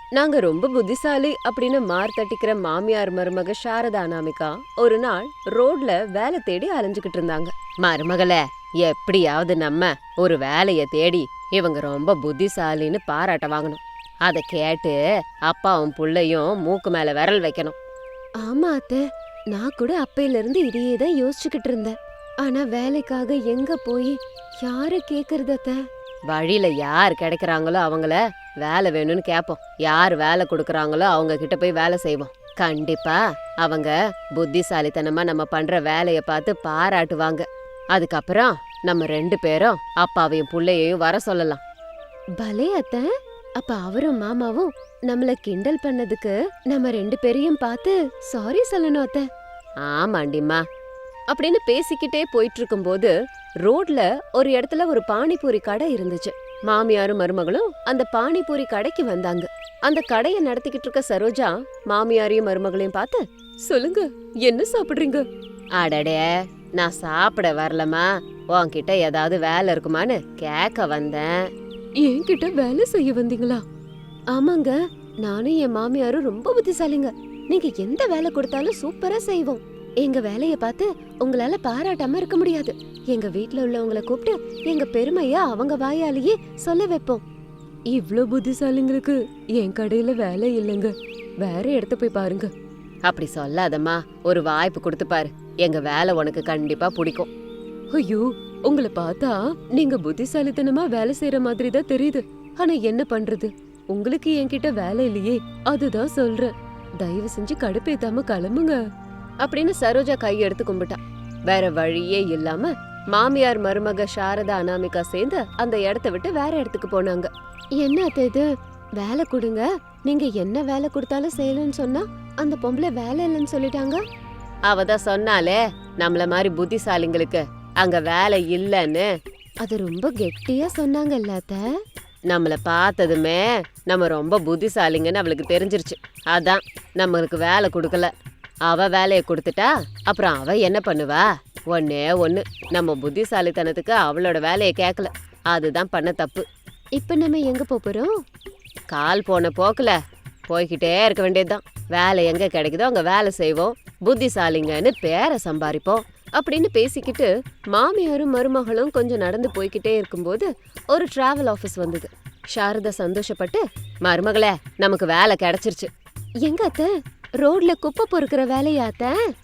நாங்க ரொம்ப புத்திசாலி அப்படின்னு மார் தட்டிக்கிற மாமியார் மருமக சாரதா அனாமிகா ஒரு நாள் ரோட்ல வேலை தேடி அலைஞ்சுகிட்டு இருந்தாங்க. மருமகளே, எப்படியாவது நம்ம ஒரு வேலைய தேடி இவங்க ரொம்ப புத்திசாலின்னு பாராட்ட வாங்கணும். அத கேட்டு அப்பாவும் புள்ளையும் மூக்கு மேல விரல் வைக்கணும். ஆமா அத்தை, நான் கூட அப்பையில இருந்து இதையே தான் யோசிச்சுக்கிட்டு இருந்தேன். ஆனா வேலைக்காக எங்க போய் யார கேக்குறது அத்தை? வழியில யார் கிடைக்கிறாங்களோ அவங்கள வேலை வேணும்னு கேட்போம். யார் வேலை கொடுக்கறாங்களோ அவங்க கிட்ட போய் வேலை செய்வோம். கண்டிப்பா அவங்க புத்திசாலித்தனமா நம்ம பண்ற வேலைய பார்த்து பாராட்டுவாங்க. அதுக்கப்புறம் நம்ம 2 பேரும் அப்பாவையும் புள்ளையையும் வர சொல்லலாம். பலே அத்தை, அப்ப அவரும் மாமாவும் நம்மள கிண்டல் பண்ணதுக்கு நம்ம 2 பேரையும் பார்த்து சாரி சொல்லணும் அத்தை. ஆமாண்டிம்மா அப்படின்னு பேசிக்கிட்டே போயிட்டு இருக்கும்போது ரோட்ல ஒரு இடத்துல ஒரு பானிபூரி கடை இருந்துச்சு. மாமியாரும் மருமகளும் அந்த பானிபூரி கடைக்கு வந்தாங்க. அந்த கடைய நடத்திக்கிட்டு இருக்க சரோஜா மாமியாரையும் மருமகளையும் பார்த்து, சொல்லுங்க, என்ன சாப்பிடுறீங்க? அடடே, நான் சாப்பிட வரலமா, உன்கிட்ட ஏதாவது வேலை இருக்குமான்னு கேட்க வந்தேன். என்கிட்ட வேலை செய்ய வந்தீங்களா? ஆமாங்க, நானும் என் மாமியாரும் ரொம்ப புத்திசாலிங்க. நீங்க எந்த வேலை கொடுத்தாலும் சூப்பரா செய்வோம். எங்க வேலைய பார்த்து உங்களால பாராட்டாம இருக்க முடியாது. எங்க வீட்ல உள்ளவங்களை கூப்பிட்டு எங்க பெருமைய அவங்க வாயாலேயே சொல்ல வைப்போம். இவ்ளோ புத்திசாலிங்களுக்கு என் கடையில வேலை இல்லைங்க, வேற இடத்த போய் பாருங்க. அப்படி சொல்லாதம்மா, ஒரு வாய்ப்பு கொடுத்து பாரு, எங்க வேலை உனக்கு கண்டிப்பா பிடிக்கும். ஐயோ, உங்களை பார்த்தா நீங்க புத்திசாலித்தனமா வேலை செய்யற மாதிரி தான் தெரியுது. ஆனா என்ன பண்றது, உங்களுக்கு என்கிட்ட வேலை இல்லையே, அதுதான் சொல்றேன். தயவு செஞ்சு கடுப்பேத்தாம கிளம்புங்க அப்படின்னு சரோஜா கையெடுத்து கும்பிட்டா. வேற வழியே இல்லாம மாமியார் மருமக சாரதா அனாமிகா சேர்ந்து அந்த இடத்த விட்டு வேற இடத்துக்கு போனாங்க. என்ன இது, வேலை கொடுங்க, நீங்க என்ன வேலை கொடுத்தாலும் செய்யலன்னு சொன்னா அந்த பொம்பளை வேலை இல்லைன்னு சொல்லிட்டாங்க. அவதான் சொன்னாலே நம்மள மாதிரி புத்திசாலிங்களுக்கு அங்க வேலை இல்லன்னு. அது ரொம்ப கெட்டியா சொன்னாங்க இல்லாத. நம்மள பார்த்ததுமே நம்ம ரொம்ப புத்திசாலிங்கன்னு அவளுக்கு தெரிஞ்சிருச்சு. அதான் நம்மளுக்கு வேலை கொடுக்கல. அவ வேலையை கொடுத்துட்டா அப்புறம் அவ என்ன பண்ணுவா? ஒன்னே ஒண்ணு, நம்ம புத்திசாலித்தனத்துக்கு அவளோட வேலையை கேட்கல, அதுதான் பண்ண தப்பு. இப்ப நம்ம எங்க போறோம்? கால் போன போக்குல போய்கிட்டே இருக்க வேண்டியதுதான். வேலை எங்க கிடைக்குதோ அங்க வேலை செய்வோம், புத்திசாலிங்கன்னு பேரை சம்பாதிப்போம் அப்படின்னு பேசிக்கிட்டு மாமியாரும் மருமகளும் கொஞ்சம் நடந்து போய்கிட்டே இருக்கும்போது ஒரு டிராவல் ஆபீஸ் வந்தது. சாரதா சந்தோஷப்பட்டு, மருமகளே, நமக்கு வேலை கிடைச்சிருச்சு. எங்க அத்தை, ரோட்ல குப்பை பொறுக்கிற வேலையாத்த?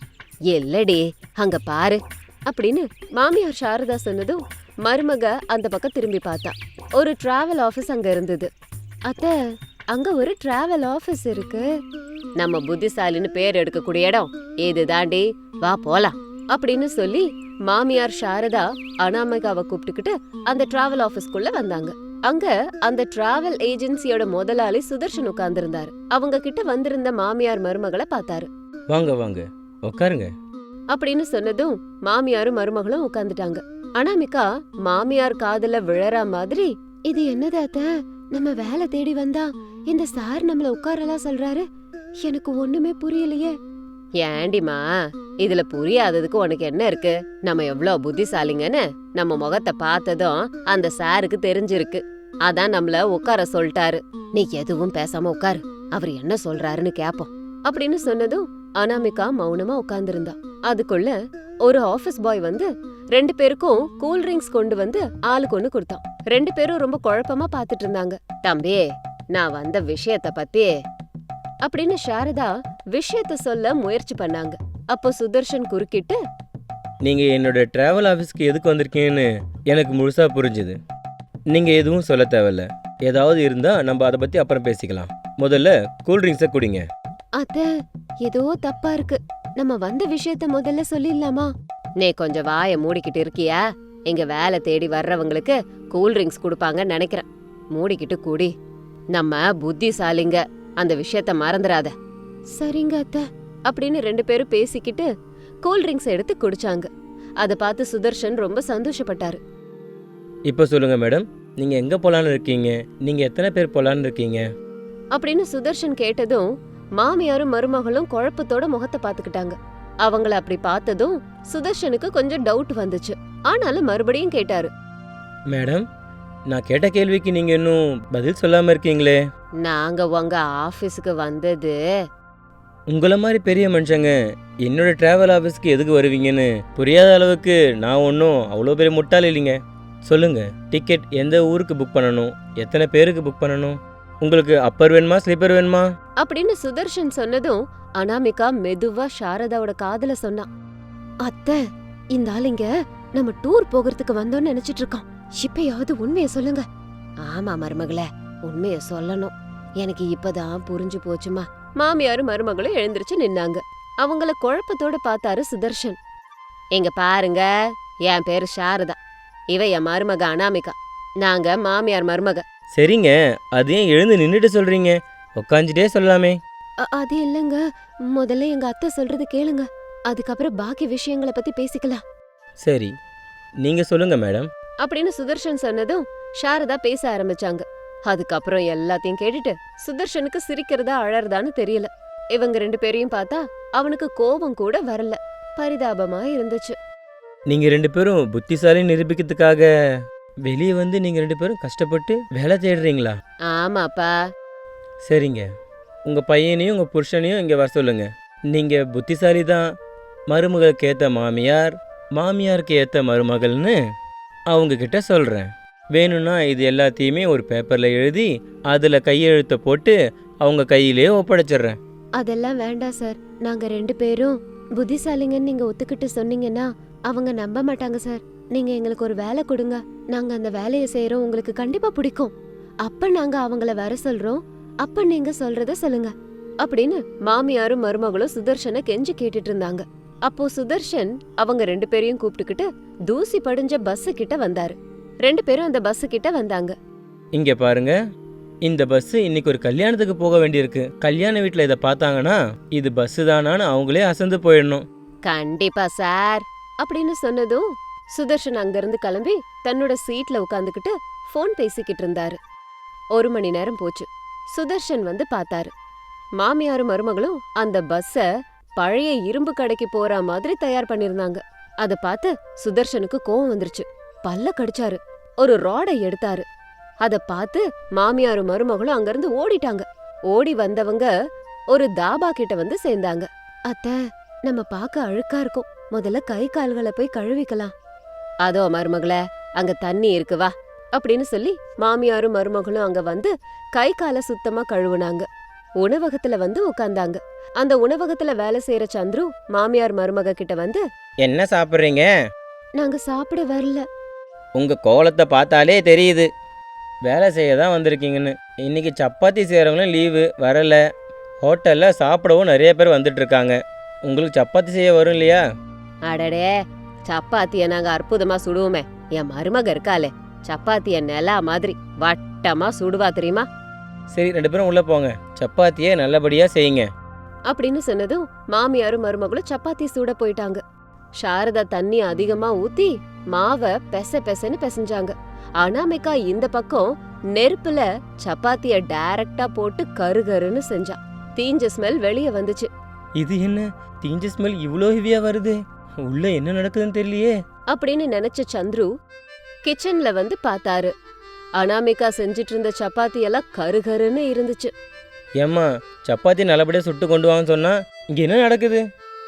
இல்லடி, அங்க பாரு அப்படின்னு மாமியார் சாரதா சொன்னதும் மருமக அந்த பக்கம் திரும்பி பார்த்தா. ஒரு டிராவல் ஆபீஸ் அங்க இருந்தது. அத்த, அங்க ஒரு டிராவல் ஆபீஸ் இருக்கு. நம்ம புத்திசாலின்னு பேர் எடுக்கக்கூடிய இடம் இதுதாண்டி, வா போலாம் அப்படின்னு சொல்லி மாமியார் சாரதா அனாமிகாவை கூப்பிட்டுக்கிட்டு அந்த டிராவல் ஆபீஸ்க்குள்ள வந்தாங்க. அங்க அந்த டிராவல் ஏஜென்சியோட முதலாளி சுதர்ஷன் உட்கார்ந்திருந்தாரு. அவங்க கிட்ட வந்திருந்த மாமியார் மருமகளை பார்த்தாரு. வாங்க வாங்க, உட்காருங்க அப்படின்னு சொன்னதும் மாமியாரும் மருமகளும் உட்கார்ந்துட்டாங்க. அனாமிகா மாமியார் காதுல விழற மாதிரி, இது என்னதாத்த, நம்ம வேலை தேடி வந்தா இந்த சார் நம்மள உட்காரலாம் சொல்றாரு, எனக்கு ஒண்ணுமே புரியலையே. ஏண்டிமா, இதுல புரியாததுக்கு உனக்கு என்ன இருக்கு? நம்ம எவ்வளவு புத்திசாலிங்கன்னு நம்ம முகத்தை பார்த்ததும் அந்த சாருக்கு தெரிஞ்சிருக்கு. அதான் நம்மள உட்கார சொல்லிட்டாரு. நீ எதுவும் பேசாம உட்காரு, அவர் என்ன சொல்றாருன்னு கேப்போம் அப்படின்னு சொன்னதும் அனாமிகா மௌனமா உட்கார்ந்திருந்தா. அதுக்குள்ள ஒரு ஆபீஸ் பாய் வந்து 2 பேருக்கும் கூல் ட்ரிங்க்ஸ் கொண்டு வந்து ஆளுக்கு ஒண்ணு கொடுத்தான். 2 பேரும் ரொம்ப குழப்பமா பாத்துட்டு இருந்தாங்க. தம்பி, நான் வந்த விஷயத்த பத்தி அப்படின்னு சாரதா விஷயத்த சொல்ல முயற்சி பண்ணாங்க. அப்போ சுதர்ஷன் குறுக்கிட்டு, நீங்க என்னோட டிராவல் ஆஃபீஸ்க்கு எதுக்கு வந்திருக்கீங்கன்னு எனக்கு முழுசா புரிஞ்சுது. நீங்க எதுவும் சொல்ல தேவையில்ல, ஏதாவது இருந்தா நம்ம அதை பத்தி அப்புறம் பேசிக்கலாம். முதல்ல கூல்ட்ரிங்க்ஸை குடிங்க. அத்த, ஏதோ தப்பா இருக்கு, நம்ம வந்த விஷயத்த முதல்ல சொல்லிடலாமா? நீ கொஞ்சம் வாய மூடிக்கிட்டு இருக்கியா? இங்க வேலை தேடி வர்றவங்களுக்கு கூல்ட்ரிங்க்ஸ் கொடுப்பாங்கன்னு நினைக்கிறேன். மூடிக்கிட்டு குடி, நம்ம புத்திசாலிங்க, அந்த விஷயத்த மறந்துடாத. சரிங்க அத்த அப்படின்னு 2 பேரும் பேசிக்கிட்டு கூல்ட்ரிங்க்ஸ் எடுத்து குடிச்சாங்க. அதை பார்த்து சுதர்ஷன் ரொம்ப சந்தோஷப்பட்டாரு. இப்போ சொல்லுங்க மேடம், நீங்க எங்க போலான்னு இருக்கீங்க? நீங்க எத்தனை பேர் போலான்னு இருக்கீங்க அப்படின்னு சுதர்ஷன் கேட்டதும் மாமியாரும் மருமகளும் குழப்பத்தோட முகத்தை பாத்துக்கிட்டாங்க. அவங்கள அப்படி பார்த்ததும் சுதர்ஷனுக்கு கொஞ்சம் டவுட் வந்துச்சு. ஆனாலும் மறுபடியும் கேட்டாரு. மேடம், நான் கேட்ட கேள்விக்கு நீங்க இன்னும் பதில் சொல்லாம இருக்கீங்களே. நாங்க உங்க ஆபீஸுக்கு வந்தது உங்களை மாதிரி பெரிய மனுஷங்க என்னோட டிராவல் ஆஃபீஸ்க்கு எதுக்கு வருவீங்கன்னு புரியாத அளவுக்கு நான் ஒன்றும் அவ்வளோ பெரிய முட்டாள் இல்லைங்க. சொல்லுங்க, டிக்கெட் எந்த ஊருக்கு புக் பண்ணணும், எத்தனை பேருக்கு புக் பண்ணணும், உங்களுக்கு அப்பர் வேணுமா ஸ்லீப்பர் வேணுமா? அப்படின்னு சுதர்ஷன் சொன்னதும் அனாமிகா மெதுவா சாரதாவோட காதுல சொன்னான். அத்தை, இந்த ஆளுங்க நம்ம டூர் போகிறதுக்கு வந்தோம்னு நினைச்சிட்டு இருக்கான். இப்பயாவது உண்மைய சொல்லுங்க. ஆமா மருமகளே, உண்மைய சொல்லணும். எனக்கு இப்பதான் புரிஞ்சு போச்சுமா. மாமியாரும் மருமகளும் எழுந்திருச்சு நின்னாங்க. அவங்கள குழப்பத்தோட பார்த்தாரு சுதர்ஷன். எங்க பாருங்க, என் பேரு சாரதா, இவ என் மருமக அனாமிகா, நாங்க மாமியார் மருமக. சரிங்க, அது ஏன் எழுந்து நின்றுட்டு சொல்றீங்க? உக்காந்துட்டே சொல்லலாமே. அது இல்லங்க, முதல்ல எங்க அத்தை சொல்றது கேளுங்க, அதுக்கப்புறம் பாக்கி விஷயங்களை பத்தி பேசிக்கலாம். சரி, நீங்க சொல்லுங்க மேடம். அப்படின்னு சுதர்ஷன் சொன்னதும் சாரதா பேச ஆரம்பிச்சாங்க. அதுக்கப்புறம் எல்லாத்தையும் கேட்டுட்டு சுதர்ஷனுக்கு சிரிக்கிறதா அழறதான்னு தெரியல. இவங்க 2 பேரையும் பார்த்தா அவனுக்கு கோபம் கூட வரல, பரிதாபமா இருந்துச்சு. நீங்க 2 பேரும் புத்திசாலி நிரூபிக்கிறதுக்காக வெளியே வந்து நீங்க 2 பேரும் கஷ்டப்பட்டு வேலை தேடுறீங்களா? ஆமாப்பா. சரிங்க, உங்க பையனையும் உங்க புருஷனையும் இங்க வர சொல்லுங்க. நீங்க புத்திசாலி தான், மருமகளுக்கு ஏத்த மாமியார், மாமியாருக்கு ஏத்த மருமகள்னு அவங்க கிட்ட சொல்றேன். வேணும்னா இது எல்லாத்தையுமே ஒரு பேப்பர்ல எழுதி அதுல கையெழுத்த போட்டு அவங்க கையிலே ஒப்படைச்சிடுறேன். அதெல்லாம் வேண்டாம் சார், நாங்க 2 பேரும் புத்திசாலிங்கன்னு நீங்க ஒத்துக்கிட்டு சொன்னீங்கன்னா அவங்க நம்ப மாட்டாங்க சார். நீங்க எங்களுக்கு ஒரு வேலை கொடுங்க, நாங்க அந்த வேலையை செய்யறோம், உங்களுக்கு கண்டிப்பா பிடிக்கும். அப்ப நாங்க அவங்கள வர சொல்றோம், அப்ப நீங்க சொல்றத சொல்லுங்க அப்படின்னு மாமியாரும் மருமகளும் சுதர்ஷனை கெஞ்சி கேட்டுட்டு இருந்தாங்க. அப்போ சுதர்ஷன் அவங்க 2 பேரையும் கூப்பிட்டுக்கிட்டு தூசி படிஞ்ச பஸ் கிட்ட வந்தாரு. 2 பேரும் அந்த பஸ் கிட்ட வந்தாங்க. இங்க பாருங்க, இந்த பஸ் இன்னைக்கு ஒரு கல்யாணத்துக்கு போக வேண்டியிருக்கு. கல்யாண வீட்டுல இதை பார்த்தாங்கன்னா இது பஸ் தானான்னு அவங்களே அசந்து போயிடணும். கண்டிப்பா சார் அப்படின்னு சொன்னதும் சுதர்ஷன் அங்கிருந்து கிளம்பி தன்னோட சீட்ல உட்காந்துக்கிட்டு போன் பேசிக்கிட்டு இருந்தாரு. 1 மணி நேரம் போச்சு. சுதர்ஷன் வந்து பார்த்தாரு. மாமியாரும் மருமகளும் அந்த பஸ்ஸ பழைய இரும்பு கடைக்கு போற மாதிரி தயார் பண்ணிருந்தாங்க. அத பார்த்து சுதர்ஷனுக்கு கோவம் வந்துருச்சு. பல்ல கடிச்சாரு. ஒரு ராடை எடுத்தாரு. அத பார்த்து மாமியாரும் மருமகளும் அங்கிருந்து ஓடிட்டாங்க. ஓடி வந்தவங்க ஒரு தாபா கிட்ட வந்து சேர்ந்தாங்க. அத்தை, நம்ம பார்க்க அழுக்கா இருக்கும், முதல்ல கை கால்களை போய் கழுவிக்கலாம். அதோ மருமகளே, அங்க தண்ணி இருக்கு வா அப்படின்னு சொல்லி மாமியாரும் மருமகளும் அங்க வந்து கை காலை சுத்தமா கழுவுனாங்க. உணவகத்துல வந்து உட்கார்ந்தாங்க. அந்த உணவகத்துல வேலை செய்யற சந்துரு மாமியார் மருமக கிட்ட வந்து, என்ன சாப்பிட்றீங்க? நாங்க சாப்பிட வரல. உங்க கோலத்தை பார்த்தாலே தெரியுது வேலை செய்ய தான் வந்திருக்கீங்கன்னு. இன்னைக்கு சப்பாத்தி செய்கிறவங்களும் லீவு வரல. ஹோட்டல்ல சாப்பிடவும் நிறைய பேர் வந்துட்டு இருக்காங்க. உங்களுக்கு சப்பாத்தி செய்ய வரும் இல்லையா? அடடே, சப்பாத்திய நாங்க அற்புதமா சுடுவோமே. என் மருமக இருக்காளே, சப்பாத்திய நிலா மாதிரி வட்டமா சுடுவா தெரியுமா? சரி, 2 பேரும் உள்ள போங்க, சப்பாத்தியை நல்லபடியா செய்யுங்க அப்படின்னு சொன்னதும் மாமியாரும் மருமகளும் சப்பாத்தி சூட போயிட்டாங்க. சாரதா தண்ணி அதிகமா ஊத்தி மாவை பெசன்னு பெசஞ்சாங்க. அனாமிகா இந்த பக்கம் நெருப்புல சப்பாத்திய டைரக்டா போட்டு கருகருன்னு செஞ்சா. தீஞ்ச ஸ்மெல் வெளியே வந்துச்சு. இது என்ன தீஞ்ச ஸ்மெல் இவ்வளோ ஹெவியா வருது? உள்ள என்ன நடக்குதுன்னு தெரியலையே அப்படின்னு நினைச்ச சந்துரு கிச்சன்ல வந்து பார்த்தாரு. அனாமிகா செஞ்சிட்டு இருந்த சப்பாத்தி எல்லாம் கருகருன்னு இருந்துச்சு. ஏம்மா, சப்பாத்தி நல்லபடியா சுட்டு கொண்டு வாங்கன்னு சொன்னா இங்க என்ன நடக்குது?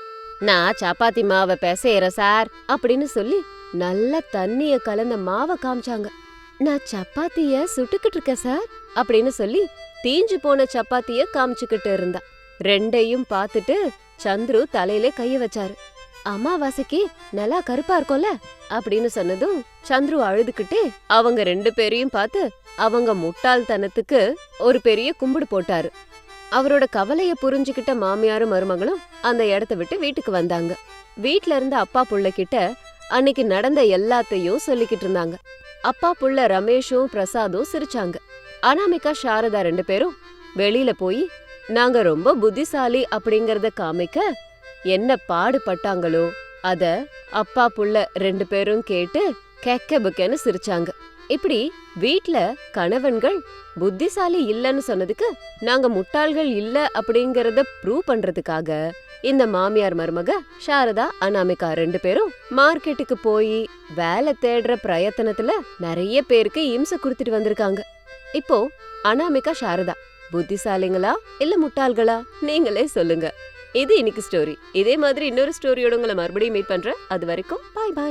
நான் சப்பாத்தி மாவை பெசையறேன் சார் அப்படின்னு சொல்லி நல்ல தண்ணிய கலந்த மாவை காமிச்சாங்க. நான் சப்பாத்திய சுட்டுக்கிட்டு இருக்கேன் சார் அப்படின்னு சொல்லி தீஞ்சு போன சப்பாத்திய காமிச்சுக்கிட்டு இருந்தா. 2ஐயும் பார்த்துட்டு சந்துரு தலையில கைய வச்சாரு. அமாவாசைக்கு நல்லா கருப்பா இருக்கும்ல அப்படின்னு சொன்னதும் சந்துரு அழுதுகிட்டே அவங்க 2 பேரையும் பார்த்து அவங்க முட்டாள்தனத்துக்கு ஒரு பெரிய கும்பிடு போட்டாரு. அவரோட கவலைய புரிஞ்சுக்கிட்ட மாமியாரும் மருமகளும் அந்த இடத்த விட்டு வீட்டுக்கு வந்தாங்க. வீட்ல இருந்த அப்பா புள்ள கிட்ட அன்னைக்கு நடந்த எல்லாத்தையும் சொல்லிக்கிட்டு இருந்தாங்க. அப்பா புள்ள ரமேஷும் பிரசாதும் சிரிச்சாங்க. அனாமிகா சாரதா 2 பேரும் வெளியில போய் நாங்க ரொம்ப புத்திசாலி அப்படிங்கறத காமிக்க என்ன பாடுபட்டாங்களோ அத அப்பா புள்ள 2 பேரும் கேட்டு கெக்க புக்கன்னு சிரிச்சாங்க. இப்படி வீட்ல கணவன்கள் புத்திசாலி இல்லன்னு சொன்னதுக்கு நாங்க முட்டாள்கள் இல்ல அப்படிங்கறத ப்ரூவ் பண்றதுக்காக இந்த மாமியார் மருமக சாரதா அனாமிகா 2 பேரும் மார்க்கெட்டுக்கு போய் வேலை தேடுற பிரயத்தனத்துல நிறைய பேருக்கு இம்சை கொடுத்துட்டு வந்திருக்காங்க. இப்போ அனாமிகா சாரதா புத்திசாலிங்களா இல்ல முட்டாள்களா? நீங்களே சொல்லுங்க. இது இன்னைக்கு ஸ்டோரி. இதே மாதிரி இன்னொரு ஸ்டோரியோட உங்களை மறுபடியும் மீட் பண்றேன். அது வரைக்கும் பாய் பாய்.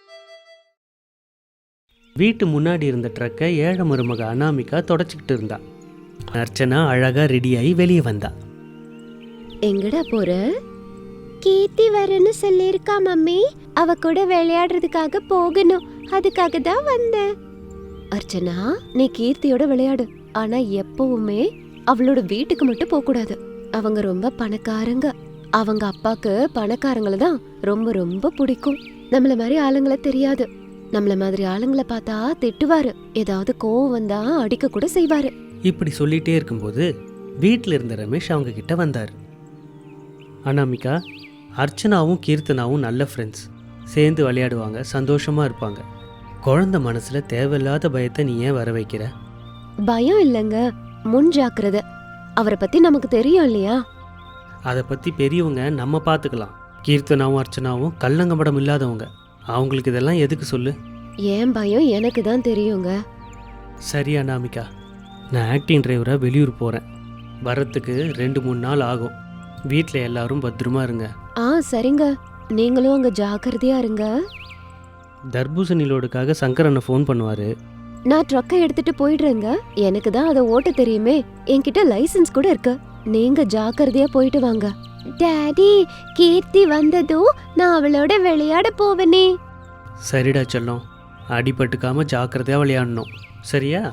வீட்டு முன்னாடி இருந்த ட்ரக்கை ஏழை மருமக அனாமிகா தொடச்சிக்கிட்டு இருந்தா. அர்ச்சனா அழகா ரெடியாகி வெளியே வந்தா. எங்கடா போற? கீர்த்தி வரேன்னு சொல்லிருக்கா மம்மி. அவ கூட விளையாடுறதுக்காக போகணும். அதுக்காக தான் வந்தேன். அர்ச்சனா, நீ கீர்த்தியோட விளையாடு. ஆனா எப்பவுமே அவளோட வீட்டுக்கு மட்டும் போக கூடாது. அவங்க ரொம்ப பணக்காரங்க. அவங்க அப்பாக்கு பணக்காரங்கள தான் ரொம்ப ரொம்ப பிடிக்கும். நம்மள மாதிரி ஆளுங்கள தெரியாது. நம்மள மாதிரி ஆளுங்களை பார்த்தா திட்டுவாரு. ஏதாவது கோவம் வந்தா அடிக்க கூட செய்வாரு. இப்படி சொல்லிட்டே இருக்கும்போது வீட்டில் இருந்த ரமேஷ் அவங்க கிட்ட வந்தார். அனாமிகா, அர்ச்சனாவும் கீர்த்தனாவும் நல்ல ஃப்ரெண்ட்ஸ். சேர்ந்து விளையாடுவாங்க, சந்தோஷமா இருப்பாங்க. குழந்தை மனசுல தேவையில்லாத பயத்தை நீ ஏன் வர வைக்கிற? பயம் இல்லைங்க, முன் ஜாக்கிரதை. அவரை பத்தி நமக்கு தெரியும் இல்லையா? அதை பத்தி பெரியவங்க நம்ம பார்த்துக்கலாம். கீர்த்தனாவும் அர்ச்சனாவும் கள்ளங்கபடம் இல்லாதவங்க. அவங்களுக்கு இதெல்லாம் எதுக்கு சொல்லு? ஏன் பயம் எனக்கு தான் தெரியுங்க. சரி அனாமிகா, நான் ஆக்டிங் டிரைவராக வெளியூர் போகிறேன். வரத்துக்கு 2-3 நாள் ஆகும். வீட்டில் எல்லாரும் பத்திரமா இருங்க. சரிங்க. நீங்களும் அங்க ஜாக்கிரதையா இருங்க. தர்பூசணி லோடுக்காக சங்கரனை ஃபோன் பண்ணுவார். நான் ட்ரக்கை எடுத்துட்டு போயிடுறேங்க. எனக்கு தான் அதை ஓட்ட தெரியுமே. என்கிட்ட லைசென்ஸ் கூட இருக்கு. நீங்க ஜாக்கிரதையா போயிட்டு வாங்க. டாடி, கீர்த்தி வந்ததும் நான் அவளோட விளையாட போவனே. சரிடா செல்லம், அடிபட்டுக்காம ஜாக்கிரதையாக விளையாடணும், சரியா?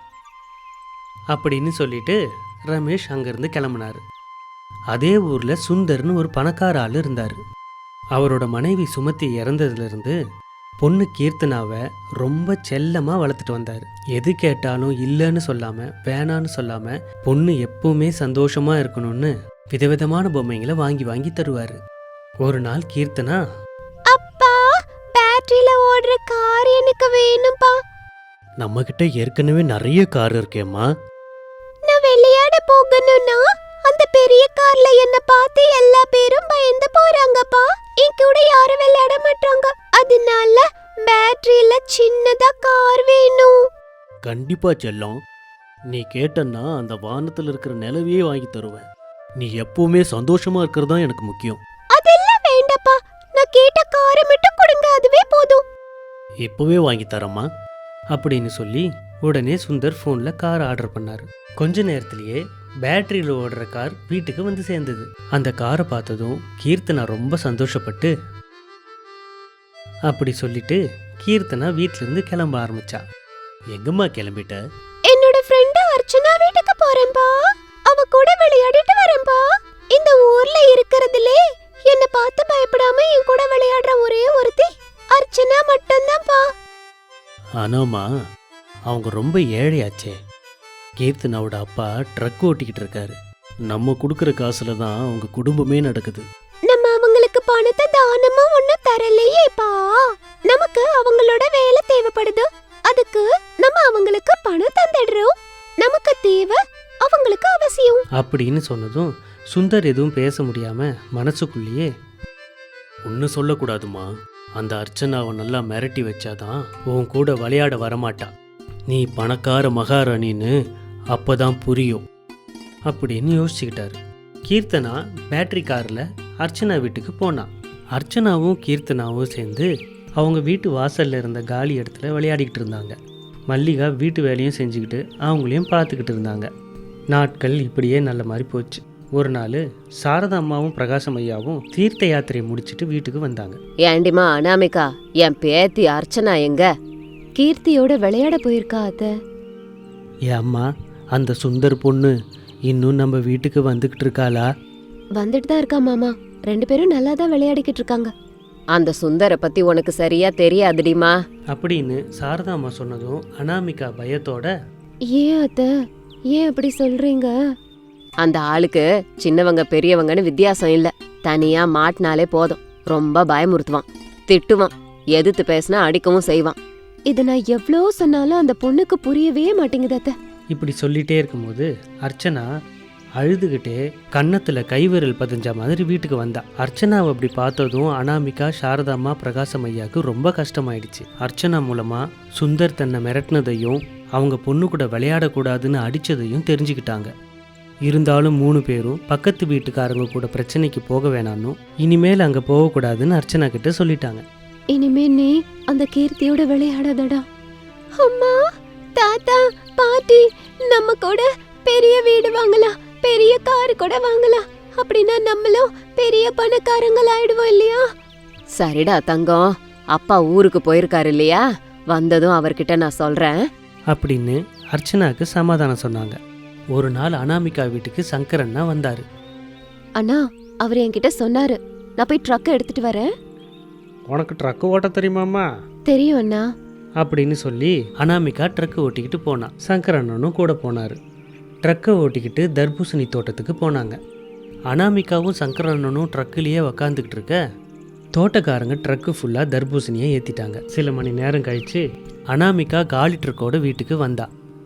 அப்படின்னு சொல்லிட்டு ரமேஷ் அங்கேருந்து கிளம்புனார். அதே ஊரில் சுந்தர்னு ஒரு பணக்கார ஆள் இருந்தார். அவரோட மனைவி சுமத்தி இறந்ததுலேருந்து பொண்ணு கீர்த்தனாவை ரொம்ப செல்லமாக வளர்த்துட்டு வந்தார். எது கேட்டாலும் இல்லைன்னு சொல்லாமல், வேணான்னு சொல்லாமல், பொண்ணு எப்பவுமே சந்தோஷமாக இருக்கணும்னு விதவிதமான பொம்மைங்களை வாங்கி வாங்கி தருவார். ஒரு நாள் கீர்த்தனா, அப்பா, பேட்டரியில ஓடுற கார் எனக்கு வேணும்பா. நம்ம கிட்ட ஏற்கனவே நிறைய கார் இருக்கேம்மா. நான் விளையாட போகணும்னா அந்த பெரிய கார்ல என்ன பார்த்து எல்லா பேரும் பயந்து போறாங்கப்பா. என் கூட யாரும் விளையாட மாட்டாங்க. அதனால பேட்டரியில சின்னதா கார் வேணும். கண்டிப்பா செல்லம், நீ கேட்டன்னா அந்த வானத்துல இருக்கிற நிலவையே வாங்கி தருவேன். நீ எப்பவுமே சந்தோஷமா இருக்கிறது தான் எனக்கு முக்கியம். அதெல்லாம் வேண்டாப்பா, நான் கேட்ட காரை மட்டும் கொடுங்க, அதுவே போதும். இப்பவே வாங்கி தரமா அப்படின்னு சொல்லி உடனே சுந்தர் ஃபோனில் கார் ஆர்டர் பண்ணார். கொஞ்ச நேரத்திலேயே பேட்டரியில் ஓடுற கார் வீட்டுக்கு வந்து சேர்ந்தது. அந்த காரை பார்த்ததும் கீர்த்தனா ரொம்ப சந்தோஷப்பட்டு அப்படி சொல்லிட்டு கீர்த்தனா வீட்டிலேருந்து கிளம்ப ஆரம்பிச்சா. எங்கம்மா கிளம்பிட்ட? என்னோட ஃப்ரெண்ட் அர்ச்சனா வீட்டுக்கு போறேன்பா. அவ கூட விளையாடிட்டு வரேன்பா. இந்த ஊர்ல இருக்கிறதுலே என்ன பார்த்து பயப்படாம என் கூட விளையாடுற ஒரே ஒருத்தி அர்ச்சனா மட்டும்தான்ப்பா. ஆனாமா, அவங்க ரொம்ப ஏழையாச்சே. கீர்த்தனாவோட அப்பா ட்ரக் ஓட்டிக்கிட்டு இருக்காரு. நம்ம கொடுக்குற காசுல தான் அவங்க குடும்பமே நடக்குது. நம்ம அவங்களுக்கு பணத்தை தானமா ஒன்னும் தரலையேப்பா. நமக்கு அவங்களோட வேலை தேவைப்படுது. அதுக்கு நம்ம அவங்களுக்கு பணம் தந்துடுறோம். நமக்கு தேவை, அவங்களுக்கு அவசியம் அப்படின்னு சொன்னதும் சுந்தர் எதுவும் பேச முடியாம மனசுக்குள்ளேயே, ஒன்னு சொல்லக்கூடாதுமா, அந்த அர்ச்சனாவை நல்லா மிரட்டி வச்சாதான் உன் கூட விளையாட வரமாட்டா. நீ பணக்கார மகாராணின்னு அப்பதான் புரியும் அப்படின்னு யோசிச்சுக்கிட்டாரு. கீர்த்தனா பேட்டரி காரில் அர்ச்சனா வீட்டுக்கு போனான். அர்ச்சனாவும் கீர்த்தனாவும் சேர்ந்து அவங்க வீட்டு வாசலில் இருந்த காலி இடத்துல விளையாடிக்கிட்டு இருந்தாங்க. மல்லிகா வீட்டு வேலையும் செஞ்சுக்கிட்டு அவங்களையும் பார்த்துக்கிட்டு இருந்தாங்க. நாட்கள் இப்படியே நல்ல மாதிரி போச்சு. ஒரு நாள் சாரதா அம்மாவும் பிரகாசம் ஐயாவும் தீர்த்த யாத்திரையை முடிச்சுட்டு வீட்டுக்கு வந்தாங்க. ஏண்டிமா அனாமிகா, என் பேத்தி அர்ச்சனா எங்க? கீர்த்தியோட விளையாட போயிருக்கா அத்த. ஏ அம்மா, அந்த சுந்தர் பொண்ணு இன்னும் நம்ம வீட்டுக்கு வந்துகிட்டு இருக்காளா? வந்துட்டு தான் இருக்கா மாமா. 2 பேரும் நல்லா தான் விளையாடிக்கிட்டு இருக்காங்க. அந்த சுந்தர பத்தி உனக்கு சரியா தெரியாதுடிமா அப்படின்னு சாரதா அம்மா சொன்னதும் அனாமிகா பயத்தோட, ஏன் அத்த, ஏன் அப்படி சொல்றீங்க? அந்த ஆளுக்கு சின்னவங்க பெரியவங்கன்னு வித்தியாசம் இல்ல. தனியா மாட்டினாலே போதும், ரொம்ப பயமுறுத்துவான், திட்டுவான், எதிர்த்து பேசினா அடிக்கவும் செய்வான். இத நான் எவ்வளோ சொன்னாலும் அந்த பொண்ணுக்கு புரியவே மாட்டேங்குது அத்த. இப்படி சொல்லிட்டே இருக்கும்போது அர்ச்சனா அழுதுகிட்டே கன்னத்துல கைவிரல் பதிஞ்ச மாதிரி வீட்டுக்கு வந்தா. அர்ச்சனாவை அப்படி பார்த்ததும் அனாமிகா, சாரதாம்மா, பிரகாசம் ஐயாவுக்கு ரொம்ப கஷ்டமாயிடுச்சு. அர்ச்சனா மூலமா சுந்தர் தன்னை மிரட்டினதையும் அவங்க பொண்ணு கூட விளையாடக்கூடாதுன்னு அடிச்சதையும் தெரிஞ்சுக்கிட்டாங்க. இருந்தாலும் 3 பேரும் பக்கத்து வீட்டுக்காரங்க கூட பிரச்சனைக்கு போக வேணான்னு, இனிமேல் அங்க போகக்கூடாதுன்னு அர்ச்சனா கிட்ட சொல்லிட்டாங்க. இனிமே நீ அந்த கீர்த்தியோட விளையாடாதடா. அம்மா, தாத்தா, பாட்டி, நம்ம கூட பெரிய வீடு வாங்கலாம், பெரிய கார் கூட வாங்கலாம். அப்படின்னா நம்மளும் பெரிய பணக்காரங்கள் ஆயிடுவோம் இல்லையா? சரிடா தங்கம், அப்பா ஊருக்கு போயிருக்காரு இல்லையா, வந்ததும் அவர்கிட்ட நான் சொல்றேன் அப்படின்னு அர்ச்சனாக்கு சமாதானம் சொன்னாங்க. ஒரு நாள் அனாமிகா வீட்டுக்கு சங்கரண்ணா வந்தாரு. அண்ணா, அவர் என்கிட்ட சொன்னாரு, நான் போய் ட்ரக் எடுத்துட்டு வரேன். உனக்கு ட்ரக்கு ஓட்ட தெரியுமாம்மா? தெரியும் அண்ணா அப்படின்னு சொல்லி அனாமிகா ட்ரக்கு ஓட்டிக்கிட்டு போனா. சங்கரண்ணனும் கூட போனாரு. ட்ரக்கை ஓட்டிக்கிட்டு தர்பூசணி தோட்டத்துக்கு போனாங்க. அனாமிகாவும் சங்கரண்ணனும் ட்ரக்குலேயே உக்காந்துக்கிட்டு இருக்க, தோட்டக்காரங்க ட்ரக்கு ஃபுல்லாக தர்பூசணியை ஏற்றிட்டாங்க. சில மணி நேரம் கழித்து அனாமிகா காலி ட்ரக்கோட வீட்டுக்கு வந்தா.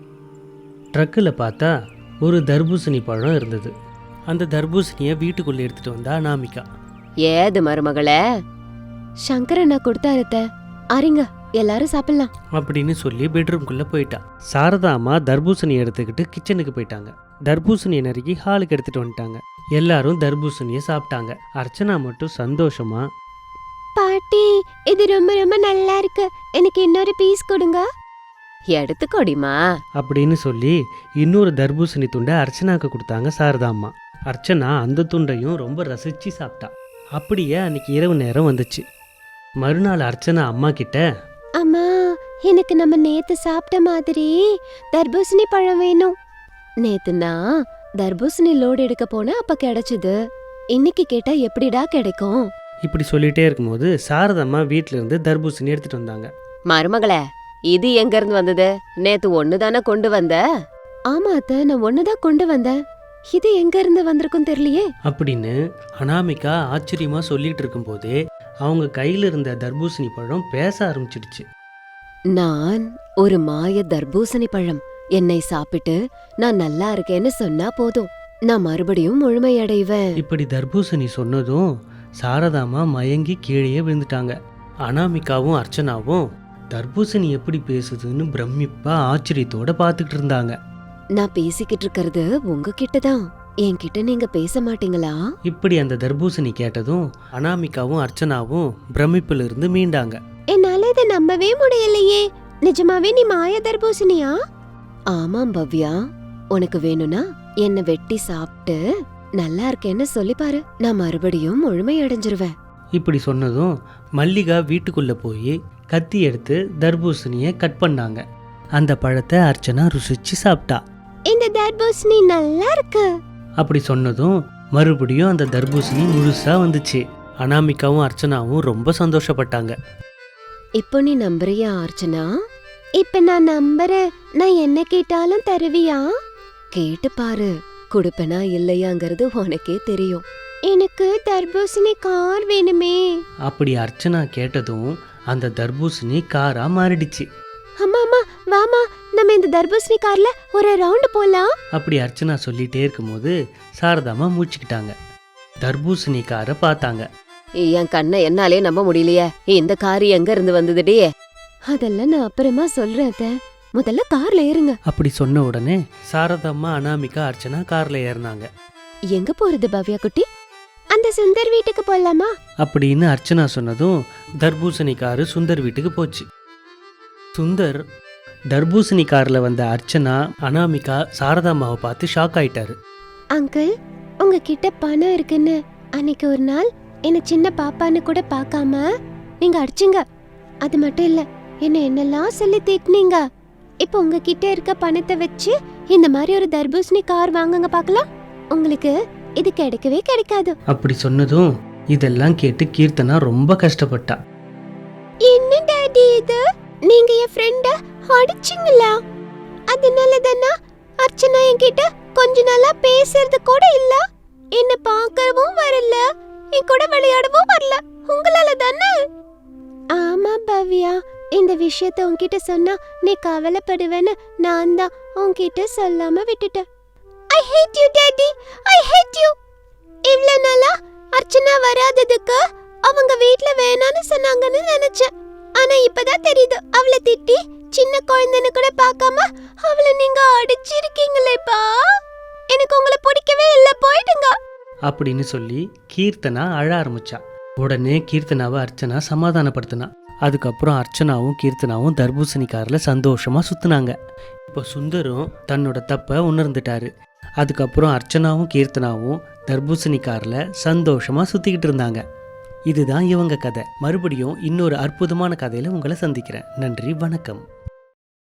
ட்ரக்கில் பார்த்தா ஒரு தர்பூசணி பழம் இருந்தது. அந்த தர்பூசணியை வீட்டுக்குள்ளே எடுத்துகிட்டு வந்தா அனாமிகா. ஏது மருமகளே? சங்கரண்ணா கொடுத்தாருத்த, அறிங்க, எல்லாரும் சாப்பிடலாம் அப்படின்னு சொல்லி பெட்ரூம்குள்ளே போயிட்டா. சாரதா அம்மா தர்பூசணி எடுத்துக்கிட்டு கிச்சனுக்கு போயிட்டாங்க. தர்பூசணியை நறுக்கி ஹாலுக்கு எடுத்துகிட்டு வந்துட்டாங்க. எல்லாரும் தர்பூசணியை சாப்பிட்டாங்க. அர்ச்சனா மட்டும் சந்தோஷமா, பாட்டி, இது ரொம்ப ரொம்ப நல்லா இருக்கு, எனக்கு இன்னொரு பீஸ் கொடுங்க. எடுத்துக்கோடிமா அப்படின்னு சொல்லி இன்னொரு தர்பூசணி துண்டை அர்ச்சனாக்கு கொடுத்தாங்க சாரதா அம்மா. அர்ச்சனா அந்த துண்டையும் ரொம்ப ரசிச்சு சாப்பிட்டா. அப்படியே அன்னைக்கு இரவு நேரம் வந்துச்சு. மறுநாள் அர்ச்சனா அம்மா கிட்ட, அம்மா, எனக்கு நம்ம நேத்து சாப்பிட்ட மாதிரி தர்பூசணி பழம் வேணும். நேத்து நான் தர்பூசணி லோடு எடுக்க போன அப்ப கிடைச்சது, இன்னைக்கு கேட்டா எப்படிடா கிடைக்கும்? இப்படி சொல்லிட்டே இருக்கும்போது சாரதம்மா வீட்டுல இருந்து தர்பூசணி எடுத்துட்டு வந்தாங்க. மருமகளே, இது எங்க இருந்து வந்தது? நேத்து ஒண்ணுதானே கொண்டு வந்த? ஆமா அத்தை, நான் ஒண்ணுதான் கொண்டு வந்தேன், இது எங்க இருந்து வந்திருக்கும் தெரியலையே அப்படின்னு அனாமிகா ஆச்சரியமா சொல்லிட்டு இருக்கும்போதே அவங்க கையில இருந்த தர்பூசணி பழம் பேச ஆரம்பிச்சிடுச்சு. நான் ஒரு மாய தர்பூசணி பழம், என்னை சாப்பிட்டு நான் நல்லா இருக்கேன்னு சொன்னா போதும், நான் மறுபடியும் முழுமையடைவேன். இப்படி தர்பூசணி சொன்னதும் சாரதாமா மயங்கி கீழே விழுந்துட்டாங்க. அனாமிகாவும் அர்ச்சனாவும் தர்பூசணி எப்படி பேசுதுன்னு பிரமிப்பா ஆச்சரியத்தோட பார்த்துக்கிட்டு இருந்தாங்க. நான் பேசிக்கிட்டு இருக்கிறது உங்ககிட்டதான், என்கிட்ட நீங்க பேச மாட்டீங்களா? இப்படி அந்த தர்பூசணி கேட்டதும் அனாமிகாவும் அர்ச்சனாவும் பிரமிப்புல இருந்து மீண்டாங்க. என்னால இதை நம்பவே முடியலையே, நிஜமாவே நீ மாய தர்பூசணியா? ஆமாம் பவ்யா, உனக்கு வேணும்னா என்ன வெட்டி சாப்பிட்டு நல்லா இருக்கேன்னு சொல்லி பாரு, நான் மறுபடியும் முழுமை அடைஞ்சிருவேன். இப்படி சொன்னதும் மல்லிகா வீட்டுக்குள்ள போய் கத்தி எடுத்து தர்பூசணியை கட் பண்ணாங்க. அந்த பழத்தை அர்ச்சனா ருசிச்சு சாப்பிட்டா. இந்த தர்பூசணி நல்லா இருக்கு. அப்படி சொன்னதும் மறுபடியும் அந்த தர்பூசணி முழுசா வந்துச்சு. அனாமிகாவும் அர்ச்சனாவும் ரொம்ப சந்தோஷப்பட்டாங்க. இப்போ நீ நம்புறியா அர்ச்சனா? இப்ப நான் நம்புறேன். நான் என்ன கேட்டாலும் தருவியா? கேட்டு பாரு, கொடுப்பனா இல்லையாங்கிறது உனக்கே தெரியும். எனக்கு தர்பூசணி கார் வேணுமே. அப்படி அர்ச்சனா கேட்டதும் அந்த தர்பூசணி காரா மாறிடுச்சு. அம்மா அம்மா, வாமா, நம்ம இந்த தர்பூசணி கார்ல ஒரு ரவுண்ட் போலாம். அப்படி அர்ச்சனா சொல்லிட்டே இருக்கும்போது சாரதாமா மூச்சுக்கிட்டாங்க. தர்பூசணி காரை பார்த்தாங்க. என் கண்ணை என்னாலே நம்ப முடியலையே, இந்த கார் எங்க இருந்து வந்ததுடி? அதெல்லாம் நான் அப்புறமா சொல்றேன் அத்தை, முதல்ல கார்ல ஏறுங்க. அப்படி சொன்ன உடனே சாரதாம்மா, அனாமிகா, அர்ச்சனா கார்ல ஏறினாங்க. எங்க போறது பவ்யா குட்டி? அந்த சுந்தர் வீட்டுக்கு போலாமா? அப்படின்னு அர்ச்சனா சொன்னதும் தர்பூசணி காரு சுந்தர் வீட்டுக்கு போச்சு. சுந்தர் தர்பூசணி கார்ல வந்த அர்ச்சனா, அனாமிகா, சாரதாம்மாவை பார்த்து ஷாக் ஆயிட்டாரு. அங்கிள், உங்ககிட்ட பணம் இருக்குன்னு அன்னைக்கு ஒரு நாள் என்ன சின்ன பாப்பான்னு கூட பார்க்காம நீங்க அடிச்சிங்க. அது மட்டும் இல்ல, என்ன என்னெல்லாம் சொல்லி திட்டினீங்க. இப்போ உங்ககிட்ட இருக்க பணத்தை வச்சு இந்த மாதிரி ஒரு தர்பூசணி கார் வாங்குங்க பார்க்கலாம், உங்களுக்கு இது கிடைக்கவே கிடைக்காது. அப்படி சொன்னதும் இதெல்லாம் கேட்டு கீர்த்தனா ரொம்ப கஷ்டப்பட்டா. என்ன டாடி இது, நீங்க என் ஃப்ரெண்ட அடிச்சிங்களா? அதனால தானா அர்ச்சனா என்கிட்ட கொஞ்ச நாளா பேசுறது கூட இல்ல, என்ன பார்க்கவும் வரல, என் கூட விளையாடவும் வரல, உங்களால தானே? ஆமா பவ்யா, இந்த விஷயத்த உன்கிட்ட சொன்னா நீ கவலைப்படுவேன்னு நான் தான் உன்கிட்ட சொல்லாம விட்டுட்டேன். I hate you daddy. தெரியுது அவளை திட்டி சின்ன குழந்தைன்னு கூட பார்க்காம அவளை நீங்க அடிச்சிருக்கீங்களேப்பா. எனக்கு உங்களை பிடிக்கவே இல்ல, போயிடுங்க அப்படின்னு சொல்லி கீர்த்தனா அழ ஆரம்பிச்சா. உடனே கீர்த்தனாவை அர்ச்சனா சமாதானப்படுத்தினா. அதுக்கப்புறம் அர்ச்சனாவும் கீர்த்தனாவும் தர்பூசணி காரில் சந்தோஷமா சுத்துனாங்க. இப்போ சுந்தரும் தன்னோட தப்பை உணர்ந்துட்டாரு. அதுக்கப்புறம் அர்ச்சனாவும் கீர்த்தனாவும் தர்பூசணி காரில் சந்தோஷமா சுத்திக்கிட்டு இருந்தாங்க. இதுதான் இவங்க கதை. மறுபடியும் இன்னொரு அற்புதமான கதையில உங்களை சந்திக்கிறேன். நன்றி, வணக்கம்.